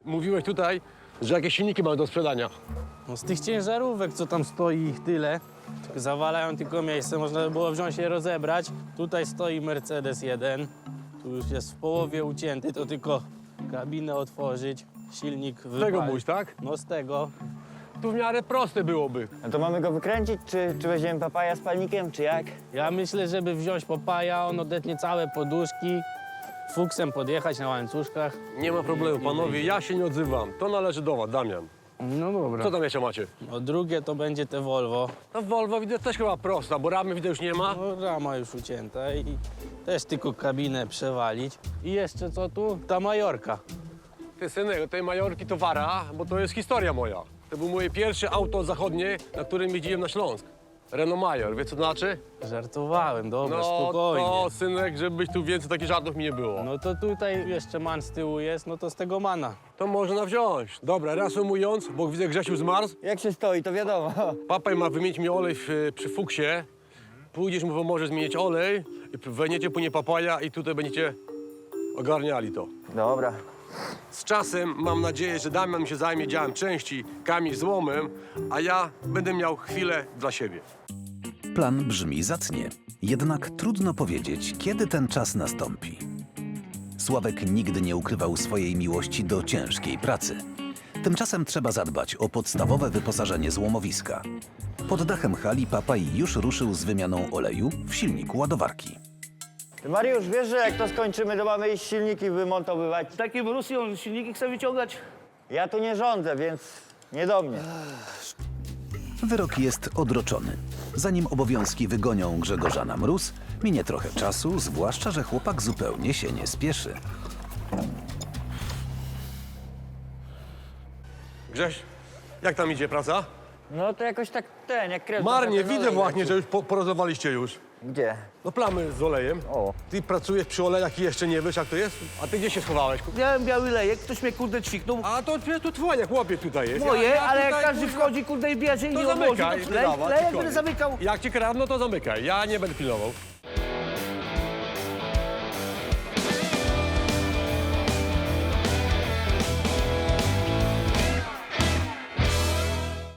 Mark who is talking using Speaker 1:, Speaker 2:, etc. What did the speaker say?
Speaker 1: Mówiłeś tutaj, że jakieś silniki mamy do sprzedania.
Speaker 2: No z tych ciężarówek, co tam stoi ich tyle, zawalają tylko miejsce, można by było wziąć je rozebrać. Tutaj stoi Mercedes 1, tu już jest w połowie ucięty, to tylko kabinę otworzyć, silnik
Speaker 1: Z tego
Speaker 2: wypalić.
Speaker 1: mówisz, tak?
Speaker 2: No z tego.
Speaker 1: Tu w miarę proste byłoby.
Speaker 3: No to mamy go wykręcić, czy weźmiemy papaja z palnikiem, czy jak?
Speaker 2: Ja myślę, żeby wziąć Papaja, on odetnie całe poduszki, fuksem podjechać na łańcuszkach.
Speaker 1: Nie ma problemu, panowie, ja się nie odzywam. To należy do was, Damian.
Speaker 2: No dobra.
Speaker 1: Co tam jeszcze macie?
Speaker 2: No drugie to będzie te Volvo.
Speaker 1: No Volvo widzę też chyba prosta, bo ramy widzę już nie ma.
Speaker 2: No rama już ucięta i też tylko kabinę przewalić. I jeszcze co tu? Ta Majorka.
Speaker 1: Ty synek, tej Majorki to wara, bo to jest historia moja. To było moje pierwsze auto zachodnie, na którym jeździłem na Śląsk. Renault Major, wiesz co to znaczy?
Speaker 2: Żartowałem, dobra,
Speaker 1: No
Speaker 2: spokojnie.
Speaker 1: to synek, żebyś tu więcej takich żartów mi nie było.
Speaker 2: No to tutaj jeszcze man z tyłu jest, no to z tego mana.
Speaker 1: To można wziąć. Dobra, reasumując, bo widzę Grzesiu zmarzł.
Speaker 3: Jak się stoi, to wiadomo.
Speaker 1: Papaj ma wymienić mi olej przy fuksie. Pójdziesz mu pomożesz zmienić olej, i wejdziecie płynie papaja i tutaj będziecie ogarniali to.
Speaker 3: Dobra.
Speaker 1: Z czasem mam nadzieję, że Damian mi się zajmie działem części, Kamil złomem, a ja będę miał chwilę dla siebie.
Speaker 4: Plan brzmi zacnie, jednak trudno powiedzieć, kiedy ten czas nastąpi. Sławek nigdy nie ukrywał swojej miłości do ciężkiej pracy. Tymczasem trzeba zadbać o podstawowe wyposażenie złomowiska. Pod dachem hali Papaj już ruszył z wymianą oleju w silniku ładowarki.
Speaker 3: Ty, Mariusz, wiesz, że jak to skończymy, to mamy iść silniki wymontowywać?
Speaker 5: Takim Rosją silniki chce wyciągać.
Speaker 3: Ja tu nie rządzę, więc nie do mnie.
Speaker 4: Wyrok jest odroczony. Zanim obowiązki wygonią Grzegorza na mróz, minie trochę czasu, zwłaszcza, że chłopak zupełnie się nie spieszy.
Speaker 1: Grześ, jak tam idzie praca?
Speaker 3: No to jakoś tak jak krew.
Speaker 1: Marnie,
Speaker 3: trochę ten
Speaker 1: widzę
Speaker 3: olej
Speaker 1: właśnie,
Speaker 3: leci.
Speaker 1: że już porozmawialiście już.
Speaker 3: Gdzie?
Speaker 1: No plamy z olejem.
Speaker 3: O.
Speaker 1: Ty pracujesz przy olejach i jeszcze nie wiesz, jak to jest? A ty gdzie się schowałeś?
Speaker 5: Miałem biały lejek, ktoś mnie kurde ćwiknął.
Speaker 1: A to przecież tu twoje, chłopie tutaj jest.
Speaker 5: Moje, ale jak
Speaker 1: tutaj,
Speaker 5: każdy
Speaker 1: kurwa,
Speaker 5: wchodzi kurde i bierze i
Speaker 1: to
Speaker 5: nie odłoży,
Speaker 1: zamykaj.
Speaker 5: to
Speaker 1: Dawa,
Speaker 5: lejek
Speaker 1: ty
Speaker 5: będę zamykał.
Speaker 1: Jak ci kradną, to zamykaj. Ja nie będę pilnował.